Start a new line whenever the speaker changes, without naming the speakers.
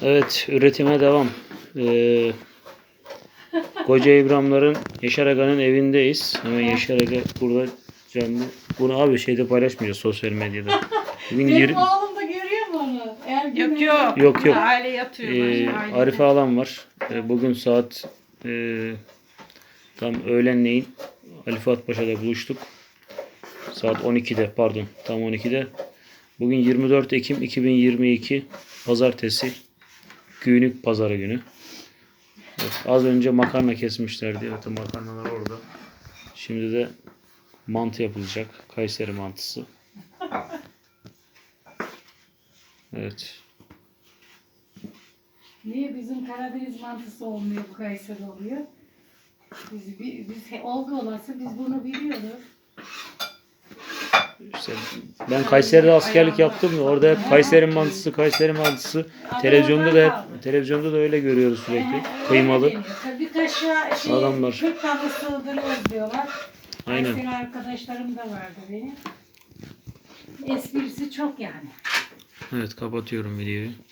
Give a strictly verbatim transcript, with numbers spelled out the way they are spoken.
Evet, üretime devam. Ee, Koca İbrahimlerin Yaşar Aga'nın evindeyiz. Hemen Yaşar Aga burada canlı. Bunu abi şeyde paylaşmayacağız sosyal medyada. Bugün
Benim
yirmi
oğlum da görüyor mu onu? Eğer
Yok
bilmiyorum.
yok.
Yok, yok.
Aile yatıyorlar.
Ee,
ailede.
Arife alan var. Ee, bugün saat e, tam öğlenleyin Ali Fuat Paşa'da buluştuk. Saat on ikide pardon tam on ikide. Bugün yirmi dört Ekim iki bin yirmi iki Pazartesi. Günlük pazarı günü. Evet, az önce makarna kesmişlerdi. Evet, makarnalar orada. Şimdi de mantı yapılacak. Kayseri mantısı. Evet.
Niye bizim Karadeniz mantısı olmuyor, bu Kayseri oluyor? Biz, biz, biz olgu olası biz bunu biliyoruz.
İşte ben Kayseri'de askerlik yaptım ya, orada hep Kayseri mantısı, Kayseri mantısı. Televizyonda da hep, televizyonda da öyle görüyoruz sürekli. Kıymalı.
Bir kaşığa şey,
Adamlar.
Türk tadı sığdırıyoruz diyorlar.
Aynen.
Kayseri arkadaşlarım da vardı benim. Esprisi çok yani.
Evet, kapatıyorum videoyu.